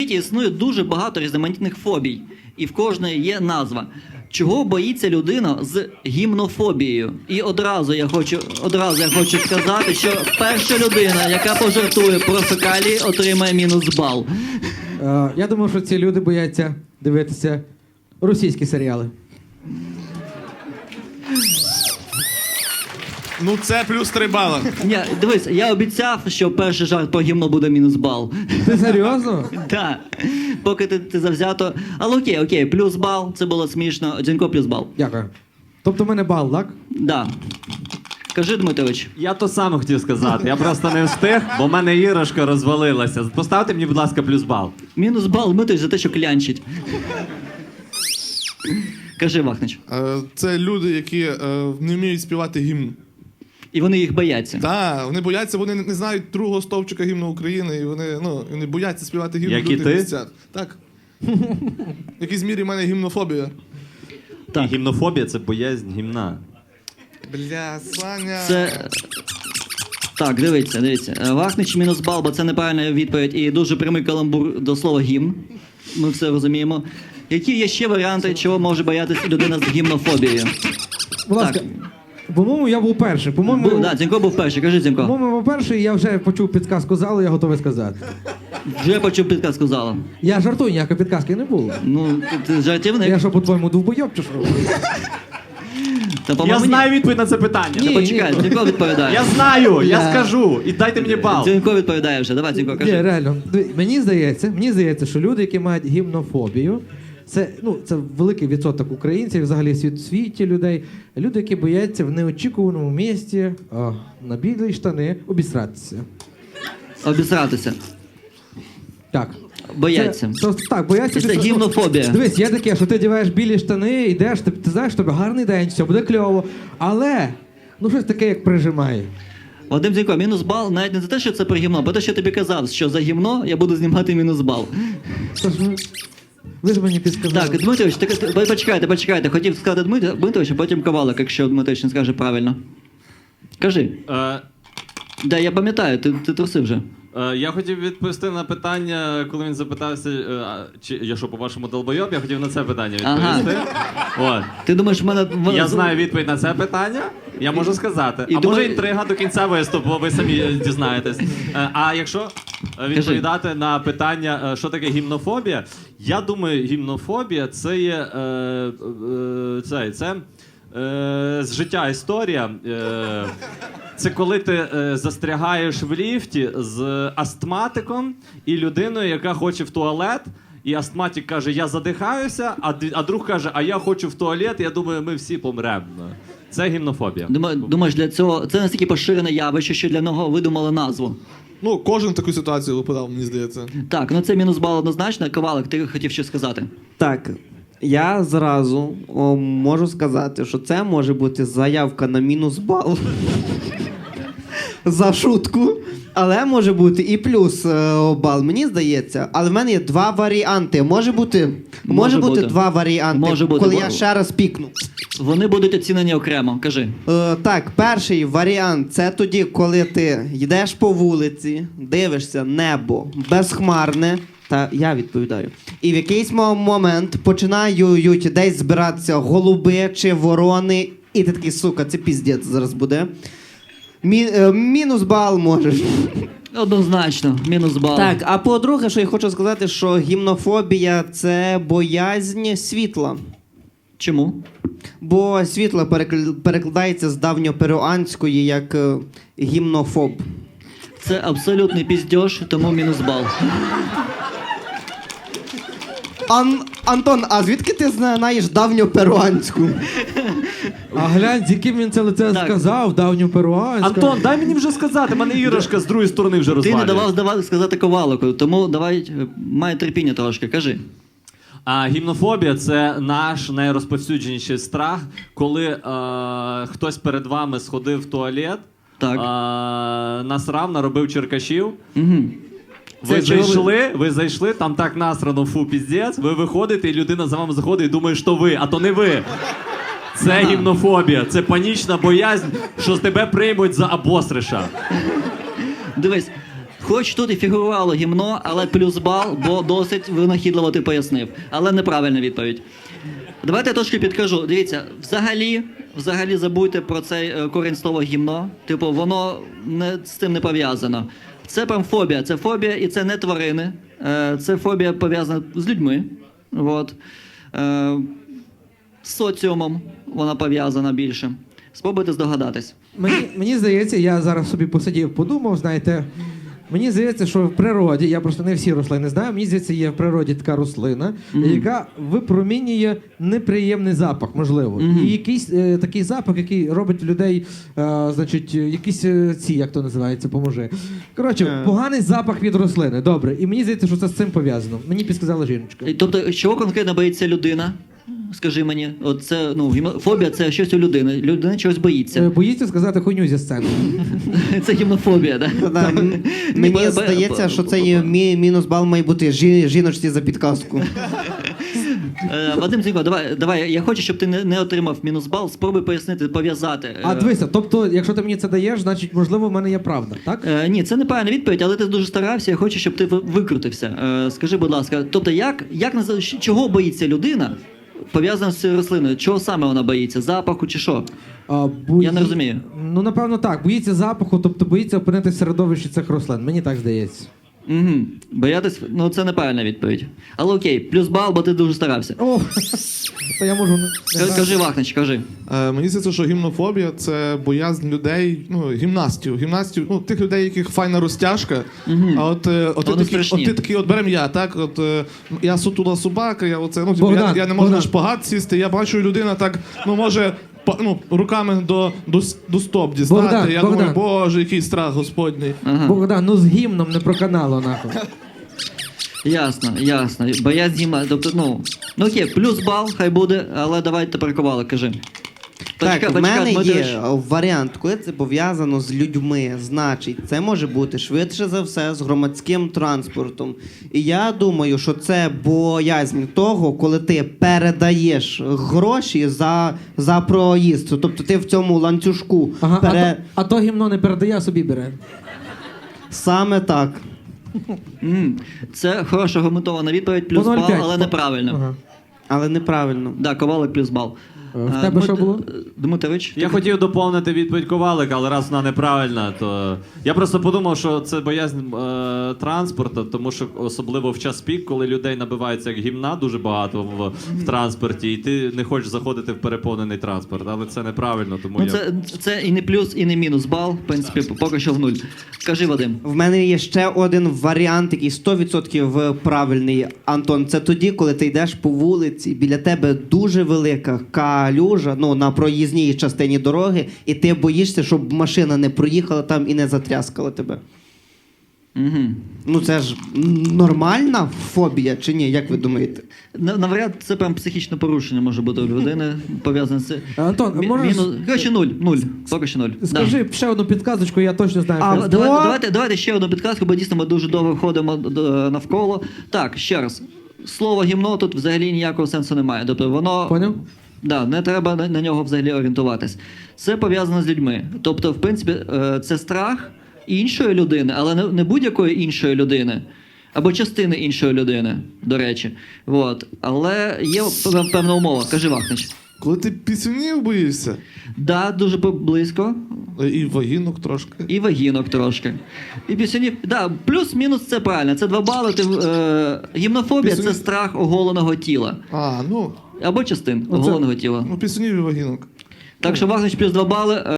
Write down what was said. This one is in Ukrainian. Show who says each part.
Speaker 1: світі існує дуже багато різноманітних фобій, і в кожної є назва. Чого боїться людина з гімнофобією? І одразу я хочу сказати, що перша людина, яка пожартує про фекалії, отримає мінус бал.
Speaker 2: Я думаю, що ці люди бояться дивитися російські серіали.
Speaker 3: Ну це плюс 3 бали.
Speaker 1: Ні, дивись, я обіцяв, що перший жарт про гімно буде мінус бал.
Speaker 2: Ти серйозно?
Speaker 1: Так, поки ти завзято. Але окей, плюс бал, це було смішно. Дзінько плюс бал.
Speaker 2: Дякую. Тобто в мене бал, так?
Speaker 1: Да. Кажи, Дмитрович.
Speaker 4: Я то саме хотів сказати, я просто не встиг, бо в мене іграшка розвалилася. Поставте мені, будь ласка, плюс бал.
Speaker 1: Мінус бал Дмитрович за те, що клянчить. Кажи, Вахнич.
Speaker 3: Це люди, які не вміють співати гімн.
Speaker 1: І вони їх бояться.
Speaker 3: Так, вони бояться, вони не знають другого стовпчика гімну України, і вони бояться співати гімн
Speaker 4: Як
Speaker 3: в
Speaker 4: і
Speaker 3: людних
Speaker 4: ти?
Speaker 3: місцях. Так. В якійсь мірі в мене гімнофобія.
Speaker 1: Так.
Speaker 4: Гімнофобія – це боязнь гімна.
Speaker 3: Бля, Саня.
Speaker 1: Це... Так, дивіться. Вахнич мінус бал, бо це неправильна відповідь і дуже прямий каламбур до слова гімн. Ми все розуміємо. Які є ще варіанти, чого може боятися людина з гімнофобією?
Speaker 2: Будь ласка.
Speaker 1: Так.
Speaker 2: По-моєму, я був перший.
Speaker 1: Да, Дзінько був перший. Кажи, Дзінько.
Speaker 2: По-моєму, був перший, я вже почув підказку залу, я готовий сказати.
Speaker 1: Вже почув підказку зала.
Speaker 2: Я жартую, ніякої підказки не було.
Speaker 1: Ну, ти жартівник.
Speaker 2: Я що, по-твоєму, довбойоб чи що?
Speaker 1: Та,
Speaker 4: Я
Speaker 1: по-моєму,
Speaker 4: знаю відповідь на це питання.
Speaker 2: Ні.
Speaker 1: Почекай, Дзінько відповідає.
Speaker 4: Я знаю, я скажу. І дайте мені бал.
Speaker 1: Дзінько відповідає вже. Давай, Дзінко,
Speaker 2: Ні,
Speaker 1: кажи.
Speaker 2: реально. Мені здається, що люди, які мають гімнофобію, це великий відсоток українців, взагалі в світі людей. Люди, які бояться в неочікуваному місці на білі штани обісратися.
Speaker 1: Обісратися.
Speaker 2: Так.
Speaker 1: Бояться.
Speaker 2: Так, бояться.
Speaker 1: Це гімнофобія.
Speaker 2: Дивись, є таке, що ти одягаєш білі штани, йдеш, ти знаєш, тобі гарний день, все буде кльово. Але, щось таке, як прижимає.
Speaker 1: Вадим Дзінько, мінус бал навіть не за те, що це про гімно, а про те, що тобі казав, що за гімно я буду знімати мінус бал.
Speaker 2: Тож, ви ж мені підсказали.
Speaker 1: Так, Дмитрович, почекайте. Хотів сказати Дмитрович, а потім Ковалик, якщо Дмитрович не скаже правильно. Кажи. Да, я пам'ятаю, ти трусив вже.
Speaker 4: Я хотів відповісти на питання, коли він запитався, чи я що, по-вашому долбойоб, я хотів на це питання відповісти. От.
Speaker 1: Ти думаєш, в мене...
Speaker 4: Я знаю відповідь на це питання, я можу сказати.
Speaker 1: І
Speaker 4: А
Speaker 1: думаю-
Speaker 4: може інтрига до кінця виступу, ви самі дізнаєтесь. А якщо відповідати на питання, що таке гімнофобія, я думаю, гімнофобія це є з життя історія. Це коли ти застрягаєш в ліфті з астматиком і людиною, яка хоче в туалет, і астматик каже, я задихаюся, а друг каже, а я хочу в туалет, я думаю, ми всі помремо. Це гімнофобія.
Speaker 1: Думаєш, для цього... Це настільки поширене явище, що для нього видумали назву.
Speaker 3: Кожен в таку ситуацію випадав, мені здається.
Speaker 1: Так, це мінус бал однозначно. Ковалик, ти хотів щось сказати?
Speaker 5: Так, я зразу можу сказати, що це може бути заявка на мінус бал за шутку, але може бути і плюс бал, мені здається. Але в мене є два варіанти. Може бути два варіанти,
Speaker 1: Може бути.
Speaker 5: коли я ще раз пікну.
Speaker 1: Вони будуть оцінені окремо. Кажи.
Speaker 5: Так, перший варіант – це тоді, коли ти йдеш по вулиці, дивишся небо безхмарне, та я відповідаю. І в якийсь момент починають десь збиратися голуби чи ворони, і ти такий, сука, це піздець зараз буде. Мінус бал можеш.
Speaker 1: Однозначно, мінус бал.
Speaker 5: Так, а по-друге, що я хочу сказати, що гімнофобія – це боязнь світла.
Speaker 1: Чому?
Speaker 5: Бо світло перекладається з давньоперуанської як гімнофоб.
Speaker 1: Це абсолютний піздьош, тому мінус бал.
Speaker 5: Антон, а звідки ти знаєш давньоперуанську?
Speaker 2: А глянь, з яким він це лице
Speaker 1: Так.
Speaker 2: сказав, давню перуанську.
Speaker 4: Антон, дай мені вже сказати, мене іграшка з другої сторони вже
Speaker 1: Ти
Speaker 4: розвалює.
Speaker 1: не давав сказати Ковалику, тому давай, май терпіння трошки, кажи.
Speaker 4: А гімнофобія – це наш найрозповсюдженіший страх, коли хтось перед вами сходив в туалет,
Speaker 1: Так.
Speaker 4: насрав, наробив черкашів.
Speaker 1: Угу.
Speaker 4: Ви зайшли, там так насрано, фу, піздець, ви виходите, і людина за вами заходить і думає, що ви, а то не ви. Це гімнофобія, це панічна боязнь, що з тебе приймуть за обосриша.
Speaker 1: Дивись, Хоч тут і фігурувало гімно, але плюс бал, бо досить винахідливо ти пояснив. Але неправильна відповідь. Давайте я трошки підкажу. Дивіться, взагалі забудьте про цей корінь слова гімно. Типу, воно з цим не пов'язано. Це прям фобія. Це фобія, і це не тварини. Це фобія пов'язана з людьми. От. З соціумом вона пов'язана більше. Спробуйте здогадатись.
Speaker 2: Мені здається, я зараз собі посидів, подумав, знаєте, мені здається, що в природі, я просто не всі рослини знаю, мені здається, є в природі така рослина, яка випромінює неприємний запах, можливо. І якийсь такий запах, який робить людей, значить, якісь як то називається, поможи. Коротше, поганий запах від рослини, добре. І мені здається, що це з цим пов'язано. Мені підсказала жіночка.
Speaker 1: Тобто, чого конкретно боїться людина? Скажи мені, от це, фобія – це щось у людини. Людина чогось боїться.
Speaker 2: Боїться сказати хуйню зі сцени.
Speaker 1: Це гімнофобія, так?
Speaker 5: Да, мені здається, що це є мінус бал має бути жіночці за підказку.
Speaker 1: Вадим Зінько, давай, я хочу, щоб ти не отримав мінус бал, спробуй пояснити, пов'язати.
Speaker 2: А дивися, тобто, якщо ти мені це даєш, значить, можливо, в мене є правда, так?
Speaker 1: Ні, це неправильна відповідь, але ти дуже старався, я хочу, щоб ти викрутився. Скажи, будь ласка, тобто, чого боїться людина, пов'язана з рослиною? Чого саме вона боїться? Запаху чи що? Я не розумію.
Speaker 2: Ну, напевно, так. Боїться запаху, тобто боїться опинитися в середовищі цих рослин. Мені так здається.
Speaker 1: Угу. Боятись, це неправильна відповідь. Але окей, плюс бал, бо ти дуже старався.
Speaker 2: О, то я можу...
Speaker 1: Кажи, Вахнич, кажи.
Speaker 3: Мені здається, що гімнофобія – це боязнь людей, гімнастів, тих людей, яких файна розтяжка. А от ти такий, берем я, так, я сутула собака, я я не можу на шпагат сісти, я бачу, людина так, може, руками до стоп дістати. Я думаю, боже, який страх господній.
Speaker 2: Богдан, з гімном не проканало, нахуй.
Speaker 1: Ясно. Боязнь гімна, тобто, окей, плюс бал, хай буде, але давай тепер ковали, кажи.
Speaker 5: Так, в мене є варіант, коли це пов'язано з людьми, значить, це може бути швидше за все з громадським транспортом. І я думаю, що це боязнь того, коли ти передаєш гроші за проїзд. Тобто ти в цьому ланцюжку.
Speaker 2: А то гімно не передає, а собі бере.
Speaker 5: Саме так.
Speaker 1: Це хороша аргументована відповідь, плюс бал, але неправильно.
Speaker 5: Але неправильно.
Speaker 1: Так, ковалик плюс бал.
Speaker 2: В тебе що було?
Speaker 1: Дмитрович?
Speaker 4: Я хотів доповнити відповідь Ковалика, але раз вона неправильна, то я просто подумав, що це боязнь транспорту, тому що особливо в час пік, коли людей набивається як гімна дуже багато в транспорті, і ти не хочеш заходити в переповнений транспорт, але це неправильно, тому
Speaker 1: це і не плюс, і не мінус бал, в принципі, поки що в нуль. Кажи, Вадим.
Speaker 5: В мене є ще один варіант, який 100% правильний, Антон. Це тоді, коли ти йдеш по вулиці, біля тебе дуже велика калюжа, на проїзній частині дороги, і ти боїшся, щоб машина не проїхала там і не затряскала тебе. Це ж нормальна фобія чи ні? Як ви думаєте?
Speaker 1: Навряд це прям психічне порушення може бути у людини, пов'язане з...
Speaker 2: Антон, можеш...
Speaker 1: Короче, нуль. Поки що нуль.
Speaker 2: Скажи ще одну підказочку, я точно знаю.
Speaker 1: Давайте ще одну підказку, бо дійсно ми дуже довго ходимо навколо. Так, ще раз. Слово гімно тут взагалі ніякого сенсу немає. Тобто воно...
Speaker 2: Поняв?
Speaker 1: Да, не треба на нього взагалі орієнтуватись. Це пов'язано з людьми. Тобто, в принципі, це страх іншої людини, але не будь-якої іншої людини, або частини іншої людини, до речі. Але є певна умова. Кажи, Вахнич.
Speaker 3: Коли ти пісюнів боїшся?
Speaker 1: Да, дуже близько.
Speaker 3: І вагінок трошки.
Speaker 1: І вагінок трошки. І пісюнів. Да, плюс-мінус це правильно. Це 2 бали. Гімнофобія – це страх оголеного тіла. Або частин оголеного тіла.
Speaker 3: Пісюнів і вагінок.
Speaker 1: Так що Вахнич плюс 2 бали.